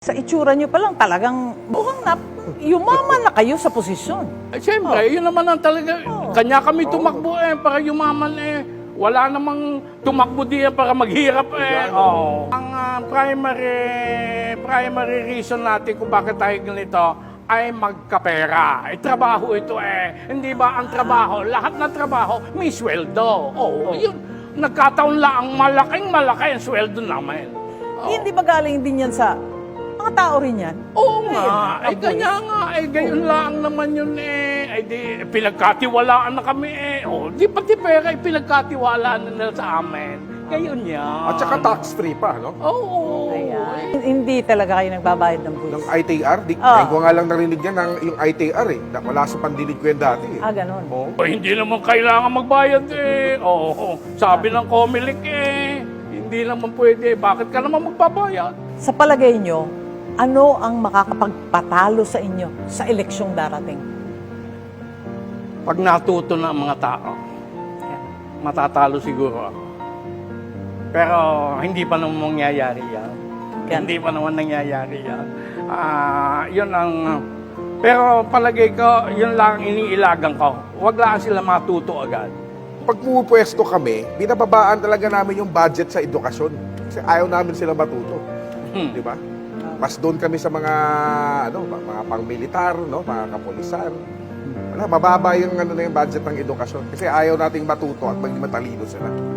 Sa itsura nyo pa lang talagang mukhang yumaman na kayo sa posisyon. Siyempre, yun naman ang talaga. Kanya kami tumakbo para yumaman Wala namang tumakbo diyan para maghirap Ang primary reason natin kung bakit tayo ganito ay magkapera. Trabaho ito Hindi ba ang trabaho, lahat ng trabaho may sweldo. Yun. Nagkataon lang ang malaki ang sweldo namin. Hindi ba galing din yan sa mga tao rin yan? Oo nga. Kanya nga. Gayon lang naman yun di, pinagkatiwalaan na kami di pati pera pinagkatiwalaan na nila sa amin. Gayon yan. At saka tax-free pa, no? Oo. Hindi talaga kayo nagbabayad ng buwis. Ng ITR, ngayon ko nga lang narinig yan yung ITR Wala sa pandinig ko yan dati Ganon. Hindi naman kailangan magbayad Sabi ng Comelec hindi naman pwede. Bakit ka naman magbabayad? Sa palagay nyo, ano ang makakapagpatalo sa inyo sa eleksyong darating? Pag natuto na ang mga tao, matatalo siguro ako. Pero hindi pa naman mangyayari yan. Hindi pa naman nangyayari yan. Yun ang... Pero palagay ko, yun lang iniilagan ko. Huwag lang sila matuto agad. Pag pumupwesto kami, binababaan talaga namin yung budget sa edukasyon. Kasi ayaw namin sila matuto. Di ba? Mas doon kami sa mga mga pang-militar, mga kapulisan. Wala, mababa yung yung budget ng edukasyon kasi ayaw nating matuto at maging matalino sila.